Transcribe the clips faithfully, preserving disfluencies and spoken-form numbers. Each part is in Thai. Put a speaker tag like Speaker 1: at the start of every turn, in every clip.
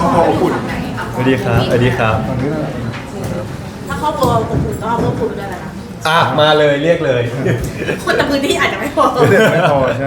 Speaker 1: อบครัวอบอุ่นสวัสดีครับสวัสดีครับ
Speaker 2: ถ้าครอบครัวอบอุ่นก็เอาเพิ่มพูนด้วยนะคะ
Speaker 1: อ่ะมาเลยเรียกเลย
Speaker 2: คนแต่พื้นที่อาจจะไม่พอ
Speaker 3: ไม่พอใช่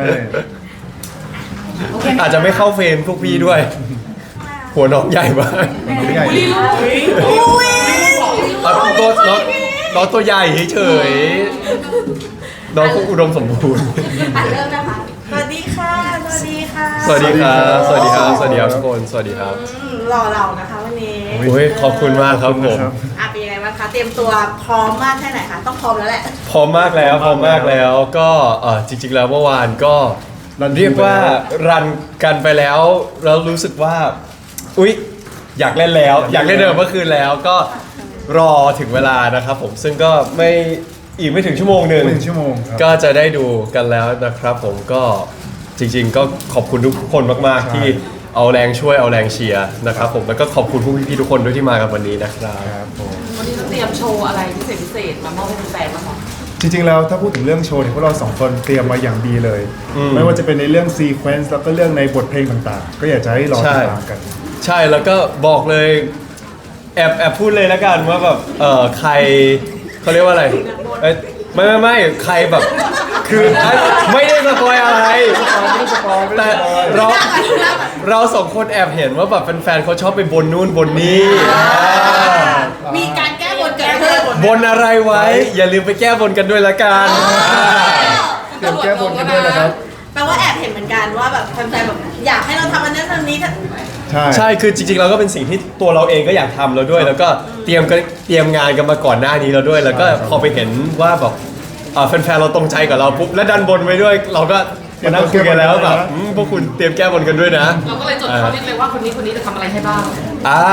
Speaker 1: อาจจะไม่เข้าเฟรมพวกพี่ด้วย หัวน้องใหญ่มาก
Speaker 3: ไม่ใหญ่
Speaker 2: อุ้ย
Speaker 1: อ่ะตัวน้องน้องตัวใหญ่เฉยๆน้องก็อุดมสมบูรณ์
Speaker 2: อ่ะเริ่มนะคะสวัสดีค่ะสวัสดีค่ะ
Speaker 1: สวัสดีครับ สวัสดีครับ สวัสดีครับทุกคน สวัสดีครับ
Speaker 2: อืมรอเรานะคะวันนี้
Speaker 1: โอ้ยขอบคุณมากครับผม
Speaker 2: อ่ะเป็นยังไงบ้างคะเตรียมตัวพร้อมมากแค่ไหนคะต้องพร้อมแล้วแหละ
Speaker 1: พร้อมมากแล้วพร้อมมากแล้วก็เอ่อจริง ๆ แล้วเมื่อวานก็เรียกว่ารันกันไปแล้วแล้วรู้สึกว่าอุ๊ยอยากเล่นแล้ว อยากเล่นเดิมเมื่อคืนแล้วก็รอถึงเวลานะครับผมซึ่งก็ไม่อีกไม่ถึงชั่วโมงหนึ่ง
Speaker 3: หนึ่งชั่วโมงครับ
Speaker 1: ก็จะได้ดูกันแล้วนะครับผมก็จริง ๆ ก็ขอบคุณทุกคนมากๆ
Speaker 3: ใช่
Speaker 1: ที่เอาแรงช่วยเอาแรงเชียร์นะครับผมแล้วก็ขอบคุณผู้พี่ๆทุกคนด้วยที่มากันวันนี้นะครับ
Speaker 3: ครับผม
Speaker 4: วันนี้เราเตรียมโชว์อะไรพิเศษพิเศษมามอบให้แฟนๆบ้างคะ
Speaker 3: จริงๆแล้วถ้าพูดถึงเรื่องโชว์เนี่ยพวกเราสองคนเตรียมมาอย่างดีเลย ไม่ว่าจะเป็นในเรื่องซีเควนซ์แล้วก็เรื่องในบทเพลงต่างๆ ก็อยากจะให้รอติดตามกัน
Speaker 1: ใช่แล้วก็บอกเลยแอบแอบพูดเลยแล้วกันว่าแบบเออใครเขาเรียกว่าอะไรเอ้ยไม่ไม่ไม่ใครแบบคือไม่ได้สปอยอะไรแต่เราเราสองคนแอบเห็นว่าแบบแฟนๆเขาชอบไปบนนู่นบนนี่
Speaker 2: มีการแก้บนเกิดขึ้น
Speaker 1: บนอะไรไว้ อย่าลืมไปแก้บนกันด้วยละกัน
Speaker 3: เตรียมแก้บนกันด้วยนะครับ
Speaker 2: แปลว่าแอบเห็นเหมือนกันว่าแบบแฟนๆแบบอยากให้เราทำอันนั้นทำนี้
Speaker 3: ใช่
Speaker 1: ใช่คือจริงๆเราก็เป็นสิ่งที่ตัวเราเองก็อยากทำแล้วด้วย แล้วก็เตรียมกันเตรียมงานกันมาก่อนหน้านี้แล้วด้วย แล้วก็พอไปเห็นว่าแบบเอ่อแฟนๆเราตรงใจกับเราปุ๊บและดันบนไว้ด้วย เราก็มานั่งคุยกันแล้วแบบอืมพวกคุณเตรียมแก้บนกันด้วยนะ
Speaker 4: เราก็เลยจดเขานิดเลยว่าคนนี้คนนี้จะทำอะไรให้บ้าง
Speaker 1: อ่า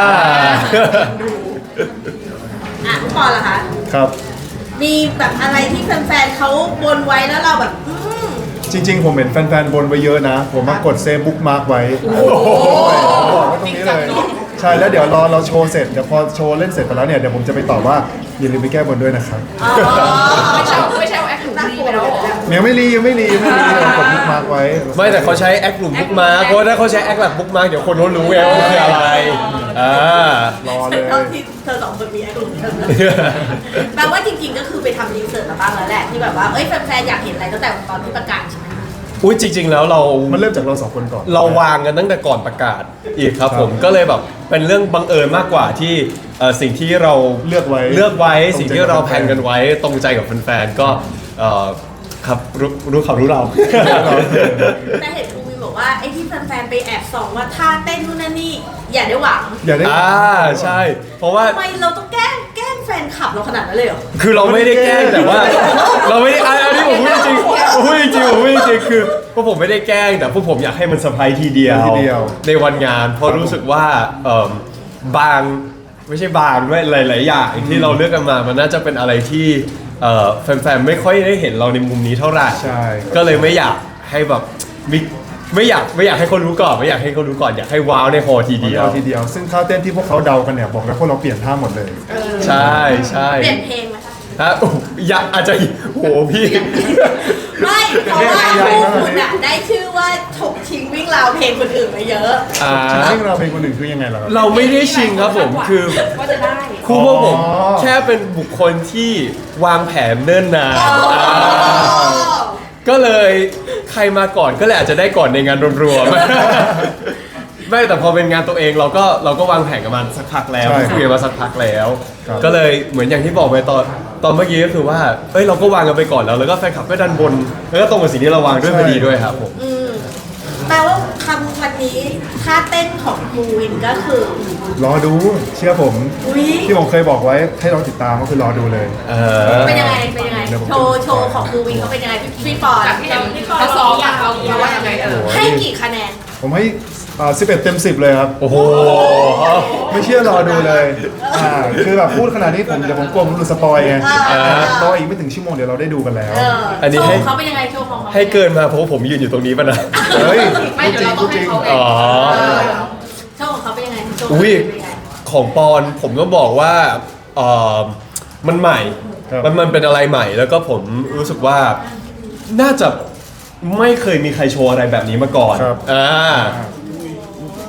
Speaker 2: อ่ะทุกปอนล่ะคะ
Speaker 3: ครับ
Speaker 2: มีแบบอะไรที่แฟนๆเขาบนไว้แล้วเราแบบอืม
Speaker 3: จริง ๆ ผมเห็นแฟนๆบนไว้เยอะนะ ผมมากดเซฟบุ๊กมาร์กไว้บอกไว้ตรงนี้เลย ใช่แล้วเดี๋ยวรอเราโชว์เสร็จเดี๋ยวพอโชว์เล่นเสร็จไปแล้วเนี่ยเดี๋ยวผมจะไปตอบว่าอย่าลืมไปแก้บนด้วยนะครับ
Speaker 2: อ๋อ
Speaker 4: ไม่ใช่ไม่ใช่เอาแอคถูกดีไปแล้วเหรอ
Speaker 3: ยังไม่รียังไม่รียังไม่รีผมกดบุ๊กมาร์กไว้
Speaker 1: ไม่แต่เขาใช้แอคกลุ่มบุ๊กมาร์เพราะว่าถ้าเขาใช้แอคหลักบุ๊กมาร์เดี๋ยวคนเขารู้ไงว่าคืออะไรอ่าร
Speaker 3: อเลย
Speaker 2: เท่าที่เธอสองคนมีไอ้กลุ่มเธอแปลว่าจริงๆก็คือไปทำรีเสิร์ชมาบ้างแล้วแหละที่แบบว่าเอ้ยแฟนๆอยากเห็นอะไรตั้งแต่ตอนที่ประกาศใช่ไหม
Speaker 1: อุ้ยจริง ๆ แล้วเรา
Speaker 3: มันเริ่มจากเราสองคนก่อน
Speaker 1: เราวางกันตั้งแต่ก่อนประกาศอีกครับผมก็เลยแบบเป็นเรื่องบังเอิญมากกว่าที่เอ่อสิ่งที่เรา
Speaker 3: เลือกไว้
Speaker 1: เลือกไว้
Speaker 3: ตรงใจ
Speaker 1: สิ่งที่เราแพลนกันไว้ตรงใจกับแฟนๆก็เอ่อครับรู้รู้เขารู้เรา
Speaker 2: แต่เห็นครูวินบอกว่าไอ้ที่แฟนๆไปแอบส่องว่าท่าเต้นนู่นนั่นนี่อย่าได้หวัง
Speaker 3: อย่าได้
Speaker 1: อ่าใช่ เพราะว่า
Speaker 2: ทำไมเราต้องแกล้งแกล้งแฟนคลับเราขนาดนั้นเลยเหรอ
Speaker 1: คือเราไม่ได้แกล้งแต่ว่า เราไม่ได้อันอันนี้ผมพูดจริงผมพูดจริงผมพูดจริงคือพวกผมไม่ได้แกล้งแต่พวกผมอยากให้มันเซอร์ไพรส์ทีเดียว
Speaker 3: ทีเดียว
Speaker 1: ในวันงานเพราะรู้สึกว่าเอิ่มบางไม่ใช่บางด้วยหลาย ๆ อย่างที่เราเลือกกันมามันน่าจะเป็นอะไรที่เอ่อแฟน ๆ ไม่ค่อยได้เห็นเราในมุมนี้เท่าไหร่
Speaker 3: ใช่
Speaker 1: ก็เลยไม่อยากให้แบบมิไม่อยากไม่อยากให้เขารู้ก่อนไม่อยากให้เขารู้ก่อนอยากให้ว้าวในฮอทีเดียว
Speaker 3: เอาทีเดียว ซึ่งท่าเต้นที่พวกเขาเดากันเนี่ยบอกแล้วพวกเราเปลี่ยนท่าหมดเลย
Speaker 1: ใช่ใช่
Speaker 2: เปลี่ยนเพลงไหมคะ
Speaker 1: ฮะโอ้อยากอาจจะโหพี่
Speaker 2: ไม่เพราะว่าคู่คุณอะได้ชื่อว่าถกชิงวิ่งราวเพลงคนอื่นมาเยอะ
Speaker 1: อ่า
Speaker 3: ซึ่งเราเป็นคนหนึ่งคือยังไงล่ะครับ
Speaker 1: เราไม่ได้ชิงครับผมคือ
Speaker 4: ว่าจะได้
Speaker 1: ครูพวกผม
Speaker 3: อ๋อ
Speaker 1: แค่เป็นบุคคลที่วางแผนเนิ่นนานอ่าก็เลยใครมาก่อนก็เลยอาจจะได้ก่อนในงานรวมๆ ไม่แต่พอเป็นงานตัวเองเราก็เราก็วางแผนกันมาสักพักแล้ว
Speaker 3: ใช่
Speaker 1: คุยกันมาสักพักแล้ว
Speaker 3: ครับ
Speaker 1: ก็เลยเหมือนอย่างที่บอกไปตอนตอนเมื่อกี้ก็คือว่าเอ้ยเราก็วางกันไปก่อนแล้วแล้วก็แฟนคลับก็ดันบนแล้วก็ตรงกับสิ่งที่เราวางด้วยพอดีด้วยครับผม
Speaker 2: อืมแปลว่าคำวันนี้ท่าเต้นของครูวินก็คือ
Speaker 3: รอดูเชื่อผม
Speaker 2: อุ้ย
Speaker 3: ที่ผมเคยบอกไว้ให้เราติดตามก็คือรอดูเลย
Speaker 1: เออ
Speaker 2: เป็นยังไงเป็นยังไง
Speaker 3: เดี๋ยวผม
Speaker 2: โชว์โชว์ของครูวินเขาเป็นยังไงพี่พี่ปอน
Speaker 4: จากที่เห็นเขาซ้อมอะเขาเขาว่ายังไงเออ
Speaker 2: ให้กี่คะแนน
Speaker 3: ผมให้อ่าสิบเอ็ดเต็มสิบเลยครับ
Speaker 1: โอ้โห
Speaker 3: ไม่เชื่อรอดูเลยอ่าคือแบบพูดขนาดนี้ผมเดี๋ยวผมกลัวผมหลุดสปอยไง
Speaker 2: อ่า
Speaker 3: รออีกไม่ถึงชั่วโมงเดี๋ยวเราได้ดูกันแล้ว
Speaker 2: เออ
Speaker 1: อันนี้
Speaker 2: โช
Speaker 1: ให้
Speaker 2: ว์เขาเป็นยังไงโชว์ของเขา
Speaker 1: ให้เกินมาเพราะว่าผมยืนอยู่ตรงนี้ป่ะนะ
Speaker 3: เฮ้ย
Speaker 4: ไม่
Speaker 3: พูด
Speaker 4: เดี๋
Speaker 3: จ
Speaker 4: ยว
Speaker 3: ริง
Speaker 4: เรา
Speaker 3: พู
Speaker 4: ต้อ
Speaker 3: ด
Speaker 4: ง
Speaker 3: จ
Speaker 4: ให้
Speaker 3: ริง
Speaker 4: เขาเอง
Speaker 1: อ๋อ
Speaker 2: เออโชว์ของเขาเป็นยังไงโชว์ของ
Speaker 1: อุ้ย
Speaker 2: เขาเป็นยังไง
Speaker 1: ของปอนผมก็บอกว่าเออมันใหม่
Speaker 3: ครับ
Speaker 1: มันมันเป็นอะไรใหม่ แล้วก็ผมรู้สึกว่าน่าจะไม่เคยมีใครโชว์อะไรแบบนี้มาก่อน
Speaker 3: ครับ
Speaker 1: อ่า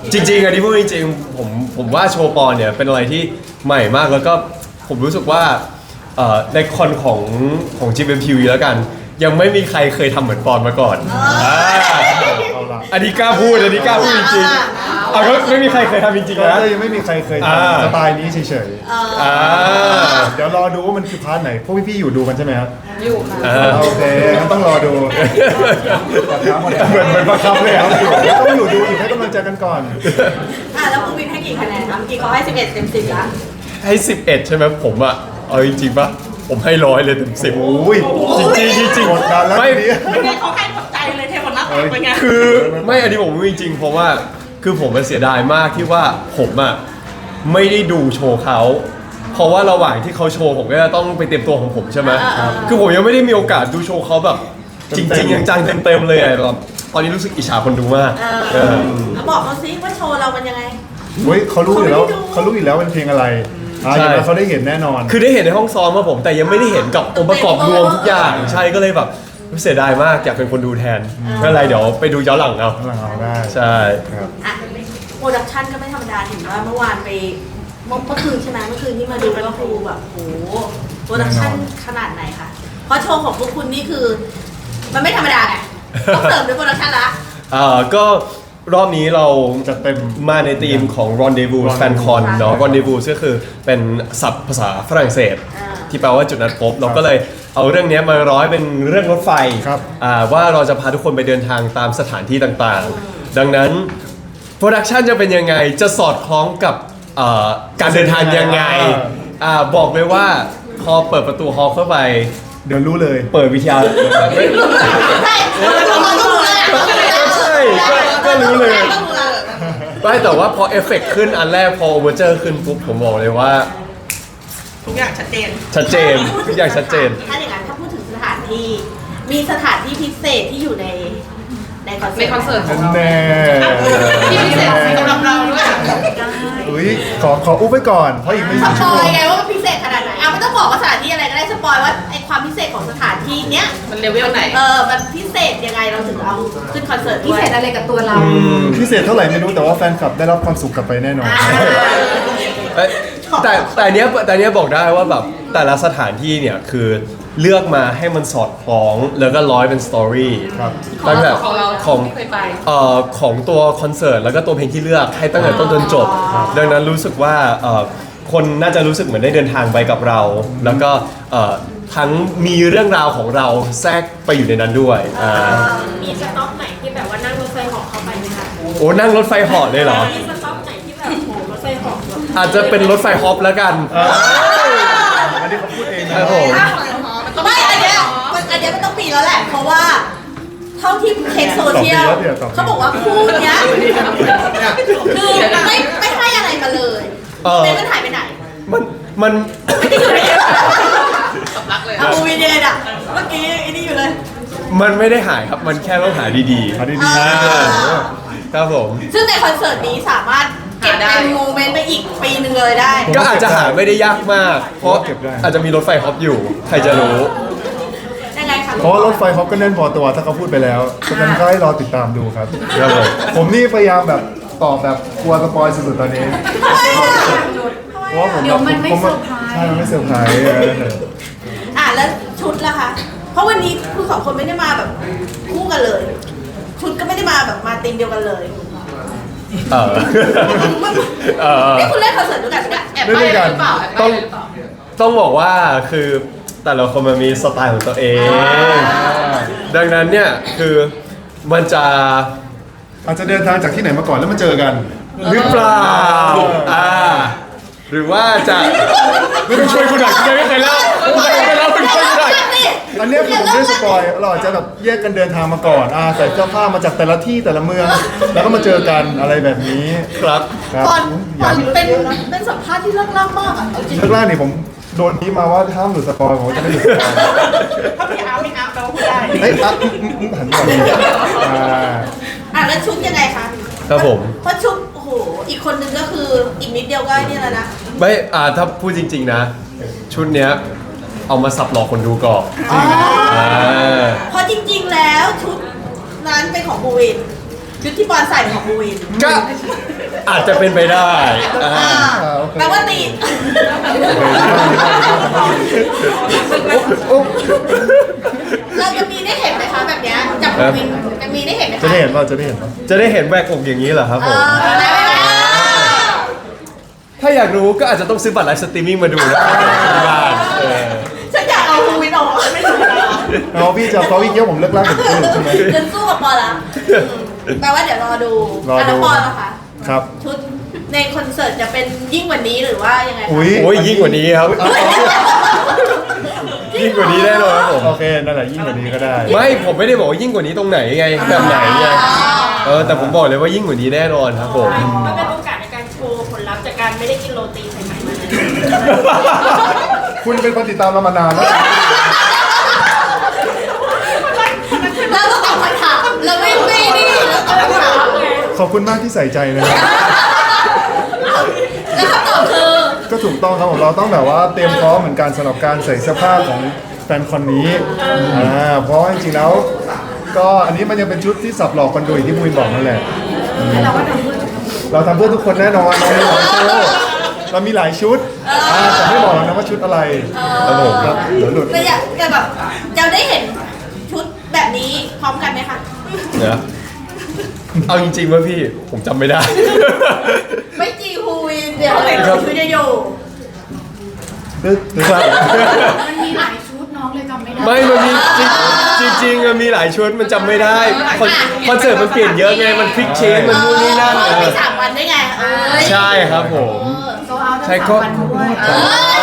Speaker 1: จริงๆอันนี้พูดจริงๆผมผมว่าโชว์ปอนเนี่ยเป็นอะไรที่ใหม่มากแล้วก็ผมรู้สึกว่าเอ่อในคอนของของ จี เอ็ม ที วี แล้วกัน ยังไม่มีใครเคยทำเหมือนปอนมาก่อนอ่า
Speaker 3: เอาละ
Speaker 1: อันนี้กล้าพูดอันนี้กล้าพูดจริงๆเอาก็ไม่มีใครเคยทำจริงๆ
Speaker 3: ก็
Speaker 1: นะ
Speaker 3: ยังไม่มีใครเคย
Speaker 1: อ่า
Speaker 3: ทำสไตล์นี้เฉย
Speaker 1: อ่า
Speaker 3: ๆเดี๋ยวรอดูว่ามันคือพาร์ทไหนพวกพี่ๆอยู่ดูกันใช่ไหมครับ
Speaker 4: อยู่ค่ะ
Speaker 1: อ่า
Speaker 3: โอเคงั้นต้องรอดูเหมือนเหมือนประคับเลยครับต้องอยู่ดูอีกให้กำลังใจกันก่อน
Speaker 2: อ่ะแล้วภูวินให้กี่คะแนนคะเมื่อกี้เขาให้สิบเอ็ดเต็มสิบละ
Speaker 1: ให้สิบเอ็ดใช่ไหมผมอะเอาจริงๆปะผมให้ร้อยเลยเต็มสิบ
Speaker 3: โอ้ย
Speaker 1: จริงๆจริง
Speaker 3: กดดันแล้ว
Speaker 1: ไม่
Speaker 3: ทีนี้
Speaker 4: เป็นไงเขาให้หมดใจเลยเทหมดหน้าตักเป็นไง
Speaker 1: คือไม่อันนี้ผมพูดจริงๆเพราะว่าคือผมมันเสียดายมากที่ว่าผมอะไม่ได้ดูโชว์เขาเพราะว่าระหว่างที่เขาโชว์ผมก็จะต้องไปเตรียมตัวของผมใช่ไหมคือผมยังไม่ได้มีโอกาสดูโชว์เขาแบบจริงๆจังๆเต็มๆเลยอะแบบตอนนี้รู้สึกอิจฉาคนดูมาก
Speaker 2: เอ
Speaker 1: เอ
Speaker 2: อ
Speaker 1: อ
Speaker 2: แล้วบอกเขาซิว่าโชว์เรามันยังไง
Speaker 3: เฮ้ยเขารู้อยู่แล้ว
Speaker 2: เขาไม่ได้ดู
Speaker 3: เขารู้อยู่แล้วเป็นเพลงอะไรอ่า
Speaker 1: ใช่
Speaker 3: อย่างนั้นเขาได้เห็นแน่นอน
Speaker 1: คือได้เห็นในห้องซ้อมมาผมแต่ยังไม่ได้เห็นกับองค์ประกอบรวมทุกอย่างใช่ก็เลยแบบเสียดายมากอยากเป็นคนดูแทนไม่เป็นไรเดี๋ยวไปดูย้อนหลังเอา
Speaker 3: หลังเอาได้
Speaker 1: ใช่
Speaker 3: ครับ
Speaker 2: อ่ะโปรดักชันก็ไม่ธรรมดาเห็นว่าเมื่อวานไปเมื่อเมื่อคืนใช่ไหมเมื่อคืนที่มาดูก็คือแบบโหโปรดักชันขนาดไหนคะเพราะโชว์ของพวกคุณนี่คือ มันไม่ธรรมดาไงต้องเสริมด้วยโปรดักชันละ
Speaker 1: อ่าก็รอบนี้เรา
Speaker 3: จัดเต็ม
Speaker 1: มาในธีมของ Rendezvous
Speaker 3: Rendezvous
Speaker 1: Fan Con เนาะ Rendezvous ก็คือเป็นศัพท์ภาษาฝรั่งเศส
Speaker 2: อ่า
Speaker 1: ที่แปลว่าจุดนัดพบ เราก็เลยเอาเรื่องนี้มาร้อยเป็นเรื่องรถไฟ
Speaker 3: ครับ
Speaker 1: อ่าว่าเราจะพาทุกคนไปเดินทางตามสถานที่ต่างๆ ดังนั้นโปรดักชันจะเป็นยังไงจะสอดคล้องกับเอ่อการเดินทางยังไงอ่าบอกเลยว่าพอเปิดประตูฮอลล์เข้าไป
Speaker 3: เดี๋ยวรู้เลย
Speaker 1: เปิดวิทยา
Speaker 2: ใช่เราต้องรู้เลย
Speaker 1: ใช่ก็ก็รู้เลย
Speaker 2: ต้องรู้เลย
Speaker 1: ไม่แต่ว่าพอเอฟเฟกต์ขึ้นอันแรกพอโอเวอร์เจอร์ขึ้นปุ๊บผมบอกเลยว่า
Speaker 4: ทุกอย่างชัดเจน
Speaker 1: ชัดเจนทุกอย่างชัดเจน
Speaker 2: ถ้าอย่างนั้นถ้าพูดถึงสถานที่ มีสถานที่พิเศษที่อยู่ในในคอนเสิร์ต
Speaker 4: ในคอนเสิร์ตของเรา
Speaker 3: แน่
Speaker 4: ที่พิเศษสำหรับเราด้วย
Speaker 3: อุ้ยขอขออุ้มไว้ก่อน เพราะอีกไม่
Speaker 2: ส
Speaker 3: กี่
Speaker 2: ป
Speaker 3: ชั่ว
Speaker 2: อ
Speaker 3: โม
Speaker 2: ย
Speaker 3: ง
Speaker 2: ไงว่ามันพิเศษขนาดไหนอ่ะไม่ต้องบอกว่าสถานที่อะไรก็ได้สปอยว่าไอความพิเศษของสถานที่เนี้ย
Speaker 4: มันเลเวลไหน
Speaker 2: เออมันพิเศษยังไงเราถึงเอาขึ้นคอนเสิร์ตพิเศษอะไรกับตัวเรา
Speaker 3: พิเศษเท่าไหร่ไม่รู้แต่ว่าแฟนคลับได้รับความสุขกลับไปแน่นอน
Speaker 1: เอ้ยแต่แต่อันเนี้ยแต่อันเนี้ยบอกได้ว่าแบบแต่ละสถานที่เนี่ยคือเลือกมาให้มันสอดคล้องแล้วก็ร้อยเป็นสตอรี่
Speaker 3: ครับ
Speaker 1: ตั้งแต่
Speaker 4: ของเรา
Speaker 1: ของ
Speaker 4: ที่เคยไป
Speaker 1: เอ่อของตัวคอนเสิร์ตแล้วก็ตัวเพลงที่เลือกให้ตั้งแต่ต้นจนจบ ดังนั้นรู้สึกว่าเอ่อคนน่าจะรู้สึกเหมือนได้เดินทางไปกับเรา แล้วก็เอ่อทั้งมีเรื่องราวของเราแทรกไปอยู่ในนั้นด้วยอ่า
Speaker 5: มีสต็อปไหนที่แบบว่านั่งรถไฟเหาะเข้าไปไหมคะ
Speaker 1: โอ้นั่งรถไฟเหาะเลยเหรอ
Speaker 5: มีสต็อปไหนที่แบบโหรถไฟเหาะแบบ
Speaker 1: อาจจะเป็นรถไฟฮอปแล้วกัน
Speaker 3: อันนี้เขาพูดเอง
Speaker 1: ค
Speaker 3: นะ
Speaker 1: รับผม
Speaker 2: ไม่อันเนี้ยมันอันเนี้ยมันต้องปีแล้วแหละ เพราะว่าเท่าที่เช็คโซเชียลเขาบอกว่าคู่เนี้ยคือไม่ไม่ให้อะไรมาเลย
Speaker 1: เออ
Speaker 2: เต้มันหายไปไหน
Speaker 1: มันมัน
Speaker 2: ไม่ได้อยู่ในเอฟ
Speaker 4: สำลักเลย
Speaker 2: เอาวีเดียอ่ะเมื่อกี้ไอ้นี่อยู่เลย
Speaker 1: มันไม่ได้หายครับ มันแค่ต้องหาดี
Speaker 3: อันนี้
Speaker 1: ๆ
Speaker 3: ดี
Speaker 1: อ่าครับผม
Speaker 2: ซึ่งในคอนเสิร์ตนี้สามารถเก็บเป็นโมเมนต์ไปอีกปีหนึ่งเลยได้
Speaker 1: ก็อาจจะหาไม่ได้ยากมาก เพราะอาจจะมีรถไฟฮอปอยู่ ใครจะรู้
Speaker 2: ยังไงคะ
Speaker 3: เพราะว่ารถไฟเขาก็แน่นพอตัวถ้าเขาพูดไปแล้วฉะนั้นก็ให้รอติดตามดูครับ
Speaker 1: ครับผม
Speaker 3: ผมนี่พยายามแบบตอบแบบกลัวสปอยสุดๆตอนนี้
Speaker 2: ทำไมอ่ะ
Speaker 3: เพราะว่าผม
Speaker 5: เดี๋ยวมันไม่
Speaker 3: ผม
Speaker 5: เซอร์ไพรส์
Speaker 3: ใช่มันไม่เซอร์ไพรส์เออ
Speaker 2: อ่ะแล้วชุดล่ะคะ เพราะวันนี้คุณสองคนไม่ได้มาแบบคู่กันเลย ชุดก็ไม่ได้มาแบบมาตีมเดียวกันเลย
Speaker 1: เออเออ
Speaker 2: นี่คุณเล่นคอนเสิร์ตด้วยกันปะเนี่ย
Speaker 4: แอบไปหรือเปล่าแอบไปหรือเปล่า
Speaker 1: ต้องบอกว่าคือแต่ละคนมันมีสไตล์ของตัวเอง ดังนั้นเนี่ยคือมันจะ
Speaker 3: อาจจะเดินทางจากที่ไหนมาก่อนแล้วมาเจอกัน
Speaker 1: หรือเปล่าอ่าหรือว่าจะไม่ต้องช่วยคุณหน่อยคุณไม่เคยเล่าคุณไม่เคยเล่าคุณช่วยคุณหน่อย
Speaker 3: อันเนี้ยคือผมไม่ได้สปอยเราอาจจะแบบแยกกันเดินทางมาก่อนอ่าใส่เสื้อผ้ามาจากแต่ละที่แต่ละเมือง แล้วก็มาเจอกันอะไรแบบนี้
Speaker 1: ครับ
Speaker 3: ครับ
Speaker 2: ตอนตอนเป็นเป็นสัมภาษณ์ที่เลิกล่ามากอ่ะเอาจริง
Speaker 3: แรกๆนี่ผมโดนนี้มาว่าห้ามหลุดสปอยผมจะไม่หลุดสปอย
Speaker 4: ถ้าพี่อาร์ไม่อาร์แปลว่าพูดได้
Speaker 3: เฮ้ยอ่ะอืมอืมอืมหันก่อนอ่า
Speaker 2: อ่ะแล้วชุดยังไงคะ
Speaker 1: ครับผม
Speaker 2: เพราะชุดโอ้โหอีกคนนึงก็คืออีกนิดเดียวก็นี่แล้วนะ
Speaker 1: ไม่อ่าถ้าพูดจริง ๆ นะ ชุดเนี้ยเอามาสับหลอกคนดูก่อน
Speaker 2: อ๋อ
Speaker 1: อ่า
Speaker 2: เพราะจริงๆแล้วชุดนั้นเป็นของบูวินชุดที่บอลใส่เป็นของบูวิน
Speaker 1: ก็อาจจะเป็นไปได้อ่า
Speaker 2: อ่าแปลว่าตีเราจะมีได้เห็นไหมคะแบบเนี้ยจับวินจะมีได้เห็นไหมคะ
Speaker 3: จะได้เห็นป่ะจะได้เห็นป่ะ
Speaker 1: จะได้เห็นแหวกอกอย่างนี้เหรอครับ
Speaker 2: เอ
Speaker 1: ผม
Speaker 2: อได้ไหม
Speaker 1: ถ้าอยากรู้ก็อาจจะต้องซื้อบัตรไลฟ์สตรีมมิ่งมาดูนะที่บ้านเออ
Speaker 2: ฉันอยากเอาภูวินออกไม่ถูกแล้ว
Speaker 3: เอาพี่จะเขาอีกเยอะผมเลิกล่าผมตื่นใช่ไหม
Speaker 2: เดินสู้กับปอละแปลว่าเดี๋ยวรอดู
Speaker 3: รอดู
Speaker 2: ะแล้วปอละคะ
Speaker 3: ครับ
Speaker 2: ชุดในคอนเสิร์ตจะเป็นยิ่งกว่านี้หรือว่ายังไงคะ
Speaker 3: อุ้ย
Speaker 1: โอ้ยยิ่งกว่านี้ครับ ยิ่งกว่านี้แน่นอนครับผม
Speaker 3: โอเคนั่นแหละยิ่งกว่านี้ก็ได้
Speaker 1: ไม่ผมไม่ได้บอกว่ายิ่งกว่านี้ตรงไหนไงแบบไหนไงเออแต่ผมบอกเลยว่ายิ่งกว่านี้แน่นอนครับผม
Speaker 5: มันเป็นโอกาสในการโชว์ผลลัพธ์จากการไม่ได้กินโรตีสายไหมมาเลย
Speaker 3: คุณเป็นคนติดตามเรามานานแล้ว
Speaker 2: เราต้องตอบคำถามเราไม่ไม่นี่เราตอบคำถาม
Speaker 3: ขอบคุณมากที่ใส่ใจนะครับ
Speaker 2: แล้วคำตอบคือ
Speaker 3: ก็ถูกต้องครับผมเราต้องแบบว่าเตรียมพร้อมเหมือนกันสำหรับการใส่เสื้อผ้าของแฟนคอนนี้อ่าเพราะว่าจริงๆแล้ว ก็อันนี้มันยังเป็นชุดที่สับหลอกคนดูอย่างที่มุ้ยบอกนั่นแหละอืมเราทำเพื่อทุกคนแน่นอนเรามีหลายโชว์เรามีหลายชุดอ่าแต่ไม่บอกหรอกนะว่าชุดอะไรครับผมครับเดี๋ยวหลุด
Speaker 2: แต่อยากแต่แบบจะได้เห็นชุดแบบนี้พร้อมกันไหมคะ
Speaker 1: เดี๋ยวเอาจริงๆว่าพี่ผมจำไม่ได้
Speaker 2: ไม่จีฮูวินเดี๋ยวเห็นชุดจะอยู่
Speaker 3: ตึ๊ดตึ๊ด
Speaker 4: มันมีหลายชุดน้องเลยจำไม่ได้
Speaker 1: ไม่มันมีจริงจริงๆมันมีหลายชุดมันจำไม่ได้คอนคอนเสิร์ตมันเปลี่ยนเยอะไงมันพลิกเชนมันนู่นนี่นั่น
Speaker 2: เอ
Speaker 1: เอ
Speaker 2: อมี
Speaker 1: อ
Speaker 2: สามวันได้ไงเอ้ย
Speaker 1: ใช่ครับผม
Speaker 4: โซเอาทั้ง
Speaker 1: ใช่
Speaker 4: สาม
Speaker 1: ก็
Speaker 4: วันด้วย
Speaker 2: เอ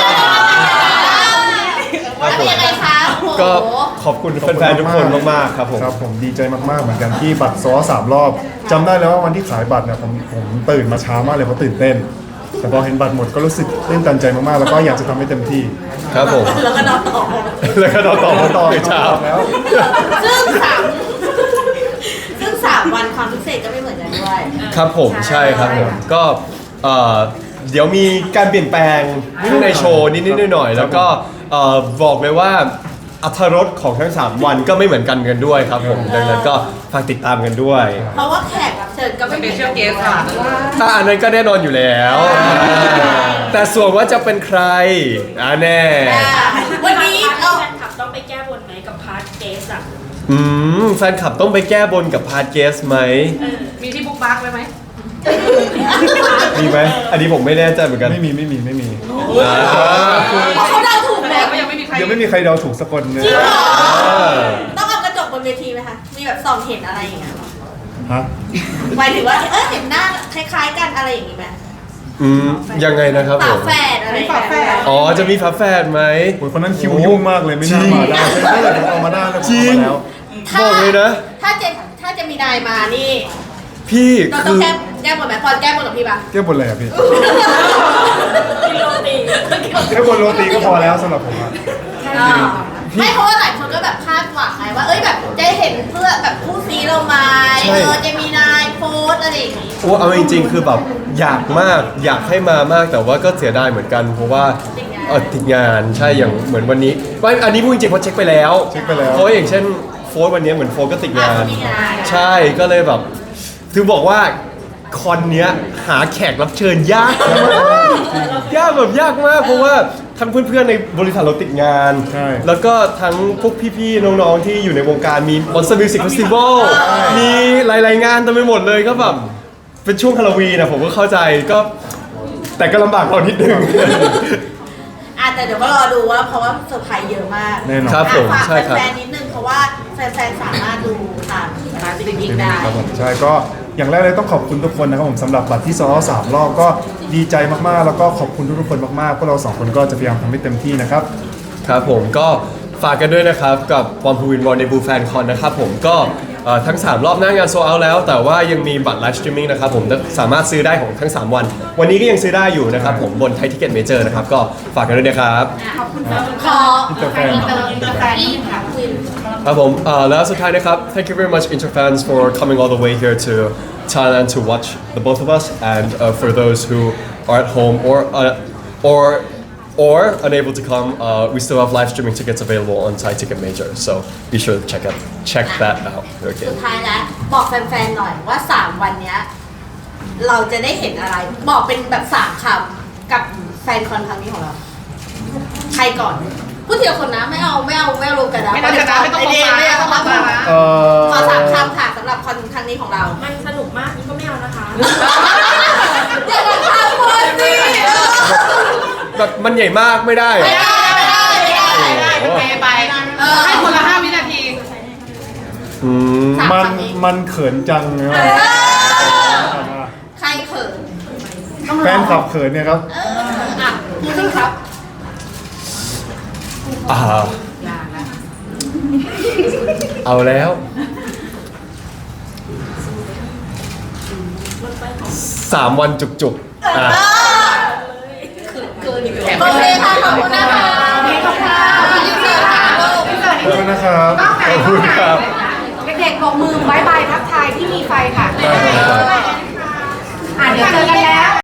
Speaker 2: อแล้วเป็นยังไงคะโอ้โห
Speaker 1: ก็ขอบคุณแฟนๆทุกคนมากๆครับผม
Speaker 3: ครับผมดีใจมากๆเหมือนกันที่บัตรซ้อสามรอบจำได้แล้วว่าวันที่ขายบัตรเนี่ยผมผมตื่นมาช้ามากเลยเพราะตื่นเต้น แต่พอเห็นบัตรหมดก็รู้สึกตื้นตันใจมากๆ แล้วก็อยากจะทำให้เต็มที่
Speaker 1: ครับผม
Speaker 2: แล้วก็นอนต่อ
Speaker 1: แล้วก็ต่อต่อ
Speaker 3: ต่
Speaker 1: ต่
Speaker 3: อ
Speaker 1: อในเช้า
Speaker 3: แล้ว
Speaker 2: ซึ่งสามซึ่งสามวันความพิเศษก็ไม่เหมือนกันด้วย
Speaker 1: ครับผมใช่ครับผมก็เอ่อเดี๋ยวมีการเปลี่ยนแปลงในโชว์นิดๆหน่อยๆแล้วก็เอ่อบอกเลยว่าอรรถรสของทั้งสามวันก็ไม่เหมือนกันกันด้วยครับผมดังนั้นก็ฝากติดตามกันด้วย
Speaker 2: เพราะว่าแขกรับเชิญก็ไม่เหมือนกันด้วย
Speaker 1: ถ้าอันนั้นก็แน่นอนอยู่แล้ว แต่ส่วนว่าจะเป็นใครอ่าแน่
Speaker 2: อ่าวันนี้
Speaker 5: แฟ
Speaker 2: เอา
Speaker 5: นคลับต้องไปแก้บนไหมกับพาร์ทเกสอะ
Speaker 1: อืมแฟนคลับต้องไปแก้บนกับพาร์ทเกสไหม
Speaker 4: มีที่บุ๊กมาร์กไว้ไหม
Speaker 1: มีไหมอันนี้ผมไม่แน่ใจเหมือนกัน
Speaker 3: ไม่มีไม่มีไม่มี
Speaker 1: อ่า
Speaker 2: เพราะเขาเดาถูก
Speaker 4: แต่
Speaker 2: แล้ว
Speaker 4: ก็ยังไม่มีใคร
Speaker 3: ยังไม่มีใครเดาถูกสักคนเลย
Speaker 2: จริงเหรอ
Speaker 1: อ่า
Speaker 2: ต้องเอากระจกบนเวทีไหมคะ มีแบบส่องเห็นอะไรอย่างเงี้ยหรอ
Speaker 3: ฮะ
Speaker 2: หมายถึงว่าเออเห็นหน้าคล้ายๆกันอะไรอย่างงี้ไหม
Speaker 1: อืมยังไงนะครับผ
Speaker 2: ฝาม แฝดอะไรฝาแฝด
Speaker 1: อ๋อจะมีฝาแฝดไหม
Speaker 3: โอ้ยคนนั้นคิวยุ่งมากเลยไม่น่ามาได้ถ้าเกิดผมเอามาได้แล้วผมเอามาแล้ว
Speaker 1: บอกเลยนะ
Speaker 2: ถ้าจะถ้าจะมีนายมานี่
Speaker 1: พี่
Speaker 2: เราต้อ
Speaker 1: คื
Speaker 2: ง
Speaker 1: อ
Speaker 2: แก้แก้บนไหมพอแก้บนกับพี่ปะ
Speaker 3: แก้บนอะไรอ่ะพี่
Speaker 5: กินโรตี
Speaker 3: แค่บนโรตีก็พอแล้วสำหรับผมอะ
Speaker 2: อ่าไม่เพราะว่าหลายคนก็แบบคาดหวังไงว่า เอ้ยแบบจะเห็นเพื่อแบบคู่ซีเราไหมเออจะมีนายโพสต์อะไรอย่างงี้
Speaker 1: โอ้เอาจริงๆ คือแบบอยากมากอยากให้มามากแต่ว่าก็เสียดายเหมือนกัน เพราะว่า
Speaker 2: ติดงาน
Speaker 1: เออติดงานใช่อย่างเหมือนวันนี้ว่าอันนี้พูดจริงๆเพราะเช็คไปแล้ว
Speaker 3: เช็คไปแล้ว
Speaker 1: เพราะอย่างเช่นโฟร์วันนี้เหมือนโฟร์ก็ติดงาน
Speaker 2: อ่ะมีงาน
Speaker 1: ใช่ก็เลยแบบถึงบอกว่าคอนเนี้ยหาแขกรับเชิญยากมากยากแบบยากมากเพราะว่าทั้งเพื่อนๆในบริษัทเราติดงาน
Speaker 3: ใช่
Speaker 1: แล้วก็ทั้งพวกพี่ๆน้องๆที่อยู่ในวงการมี Monster Music Festival มีหลายๆงานเต็มไปหมดเลยก็แบบเป็นช่วงฮาโลวีนนะผมก็เข้าใจก็แต่ก็ลำบากเรานิดนึง
Speaker 2: อ่ะแต่เดี๋ยวก็รอดูว่าเพราะว่าเซอร์ไพรส์เยอะมาก
Speaker 3: แน่นอน
Speaker 1: ครับผม
Speaker 2: อ่ะฝาก
Speaker 1: ใช่ครับ
Speaker 2: แฟนๆนิดนึงเพราะว่าแฟนๆสามารถดูตาม
Speaker 4: มาสตรีมมิ่งได้
Speaker 3: ครับผมใช่ก็อย่างแรกเลยต้องขอบคุณทุกคนนะครับผมสำหรับบัตรที่ซ้อสามรอบก็ดีใจมากๆ แล้วก็ขอบคุณทุกๆคนมากๆพวกเราสองคนก็จะพยายามทำให้เต็มที่นะครับ
Speaker 1: ครับผมก็ฝากกันด้วยนะครับกับปอมพูวินวอนในบูแฟนคอนนะครับผมก็เอ่อทั้ง สาม รอบหน้างานโซเอาแล้ว แต่ว่ายังมีบัตรไลฟ์สตรีมมิ่งนะครับผมสามารถซื้อได้ของทั้ง สาม วัน วันนี้ก็ยังซื้อได้อยู่นะครับผมบนไทยทิเก็ตเมเจอร์นะครับก็ฝากกันด้วยนะครับ
Speaker 2: ขอบคุณขอ
Speaker 3: อินเตอร์แฟน
Speaker 2: อินเตอร์อินเตอร์แฟนนี่ค่ะวิน
Speaker 1: ครับผมเอ่อแล้วสุดท้ายนะครับ thank you very much Interfans for coming all the way here to Thailand to watch the both of us and uh, for those who are at home or uh, or or unable to come uh, we still have live streaming tickets available on Thai Ticket Major so be sure to check out check that out okay
Speaker 2: สุดท้ายแล้วบอกแฟนๆหน่อยว่าสามวันเนี้ยเราจะได้เห็นอะไร บอกเป็นแบบสามคำกับแฟนคอนครั้งนี้ของเรา ใครก่อนพูดทีละคนนะไม่เอาไม่เอาไม่เอารวมกันนะ
Speaker 4: ไม่ต้องชนะไม่ต้อง
Speaker 2: ไอเดีย
Speaker 4: ลงมา
Speaker 2: ไม่ต้องลงมา
Speaker 3: เอ่อ
Speaker 2: ขอสามคำค่ะสำหรับคอนครั้งนี้ของเรา
Speaker 5: มันสนุกมากนี่ก็ไม่เอานะคะ
Speaker 2: อย่ามาทำคนสิ
Speaker 1: แบบมันใหญ่มากไม่ได้
Speaker 2: ไม่ได้ไม่ได้ไม่ได้
Speaker 4: ได้ไปไป
Speaker 2: เออ
Speaker 4: ให้คนละห้าวินาที
Speaker 1: อืม
Speaker 2: สาม
Speaker 3: มัน
Speaker 2: คำนี้
Speaker 3: มันเขินจังนะ
Speaker 2: เออใครเขินต้อง
Speaker 3: แฟ
Speaker 2: ลอน ง
Speaker 3: ขับเขินเนี่ยครับ
Speaker 2: เอออ่ะพูดสิครับ
Speaker 1: อ่า
Speaker 4: อย่างนะ
Speaker 1: เอาแล้ว สามวันจุกๆอ่ะ
Speaker 2: เกินอยู่โอเคค่ะขอบคุณนะคะขอบคุณค่ะยินดีค่ะลูก
Speaker 3: ขอบคุณนะครับ
Speaker 1: ขอบคุณครับ
Speaker 6: เด็กๆบอกมือบายบายทักทายที่มีไฟค่ะ
Speaker 3: ได้ครับ
Speaker 6: อ่ะเดี๋ยวเจอกันแล้ว